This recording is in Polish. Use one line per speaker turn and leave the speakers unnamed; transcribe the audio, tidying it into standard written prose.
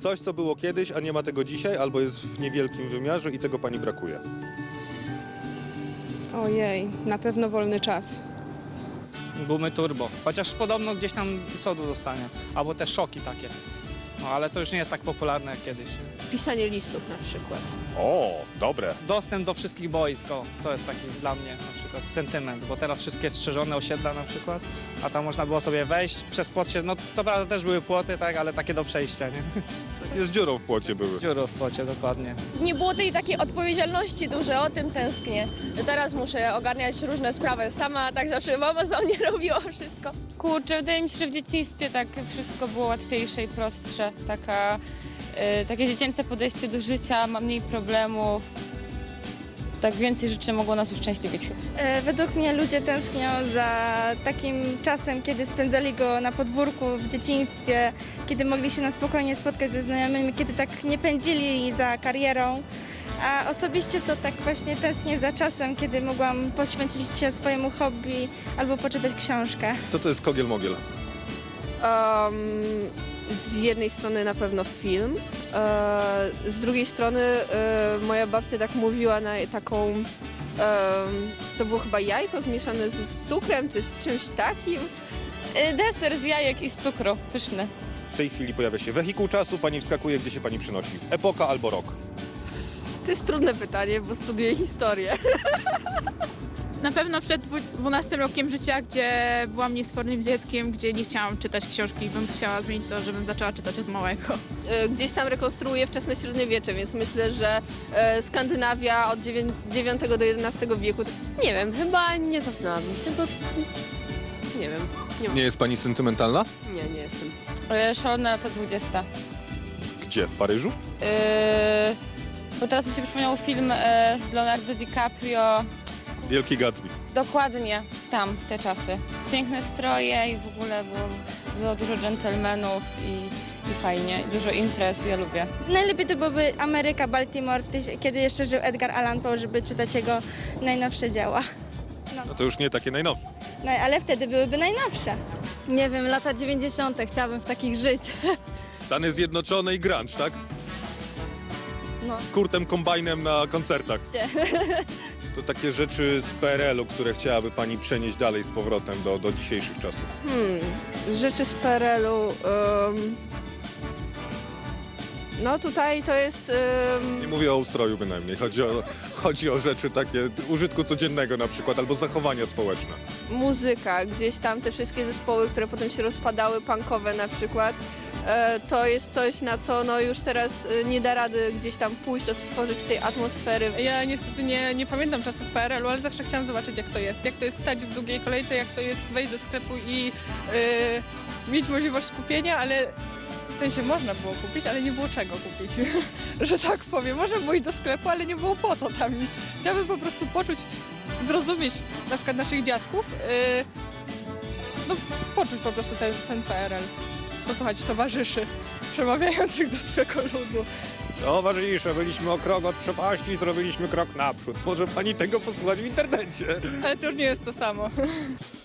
Coś, co było kiedyś, a nie ma tego dzisiaj, albo jest w niewielkim wymiarze i tego pani brakuje.
Ojej, na pewno wolny czas.
Gumy turbo. Chociaż podobno gdzieś tam sodu zostanie. Albo te szoki takie. No ale to już nie jest tak popularne jak kiedyś.
Pisanie listów na przykład.
O, dobre.
Dostęp do wszystkich boisk, o, to jest taki dla mnie na przykład sentyment, bo teraz wszystkie strzeżone osiedla na przykład, a tam można było sobie wejść, przez płot się, no co prawda też były płoty, tak, ale takie do przejścia, nie?
Jest dziurą w płocie były.
Dziury w płocie, dokładnie.
Nie było tej takiej odpowiedzialności dużej, o tym tęsknię. Teraz muszę ogarniać różne sprawy sama, tak zawsze mama za mnie robiła wszystko.
Kurczę, wydaje mi się, że w dzieciństwie tak wszystko było łatwiejsze i prostsze. Takie dziecięce podejście do życia, ma mniej problemów. Tak więcej rzeczy mogło nas uszczęśliwić.
Według mnie ludzie tęsknią za takim czasem, kiedy spędzali go na podwórku w dzieciństwie, kiedy mogli się na spokojnie spotkać ze znajomymi, kiedy tak nie pędzili za karierą. A osobiście to tak właśnie tęsknię za czasem, kiedy mogłam poświęcić się swojemu hobby albo poczytać książkę.
Co to jest kogiel-mogiel?
Z jednej strony na pewno film, z drugiej strony moja babcia tak mówiła na taką, to było chyba jajko zmieszane z cukrem czy z czymś takim.
Deser z jajek i z cukru, pyszny.
W tej chwili pojawia się wehikuł czasu, pani wskakuje, gdzie się pani przynosi. Epoka albo rok.
To jest trudne pytanie, bo studiuję historię.
Na pewno przed 12 rokiem życia, gdzie byłam niesfornym dzieckiem, gdzie nie chciałam czytać książki, bym chciała zmienić to, żebym zaczęła czytać od małego.
Gdzieś tam rekonstruuję wczesne średniowiecze, więc myślę, że Skandynawia od IX do XI wieku, nie wiem, chyba nie cofnęłam się, bo nie wiem.
Nie jest pani sentymentalna?
Nie jestem.
Szalone lata 20.
Gdzie? W Paryżu?
Bo teraz mi się przypomniał film z Leonardo DiCaprio.
Wielki Gatsby.
Dokładnie tam, w te czasy. Piękne stroje i w ogóle było dużo dżentelmenów i fajnie, dużo imprez, ja lubię.
Najlepiej to byłoby Ameryka, Baltimore, kiedy jeszcze żył Edgar Allan Poe, żeby czytać jego najnowsze dzieła.
No to już nie takie najnowsze.
No, ale wtedy byłyby najnowsze.
Nie wiem, lata 90. chciałabym w takich żyć.
Stany Zjednoczone i grunge, tak?
No.
Z Kurtem Cobainem na koncertach.
Gdzie?
To takie rzeczy z PRL-u, które chciałaby pani przenieść dalej z powrotem do dzisiejszych czasów.
Rzeczy z PRL-u. No tutaj to jest...
Nie mówię o ustroju bynajmniej, chodzi o rzeczy takie użytku codziennego na przykład, albo zachowania społeczne.
muzyka, gdzieś tam te wszystkie zespoły, które potem się rozpadały, punkowe na przykład. To jest coś, na co no już teraz nie da rady gdzieś tam pójść, odtworzyć tej atmosfery.
Ja niestety nie pamiętam czasów PRL-u, ale zawsze chciałam zobaczyć, jak to jest. Jak to jest stać w długiej kolejce, jak to jest wejść do sklepu i mieć możliwość kupienia, ale w sensie można było kupić, ale nie było czego kupić, że tak powiem. Można było iść do sklepu, ale nie było po co tam iść. Chciałabym po prostu poczuć, zrozumieć na przykład naszych dziadków, no poczuć po prostu ten PRL. Posłuchać towarzyszy przemawiających do swego ludu.
Towarzysze, byliśmy o krok od przepaści i zrobiliśmy krok naprzód. Może pani tego posłuchać w internecie.
Ale to już nie jest to samo.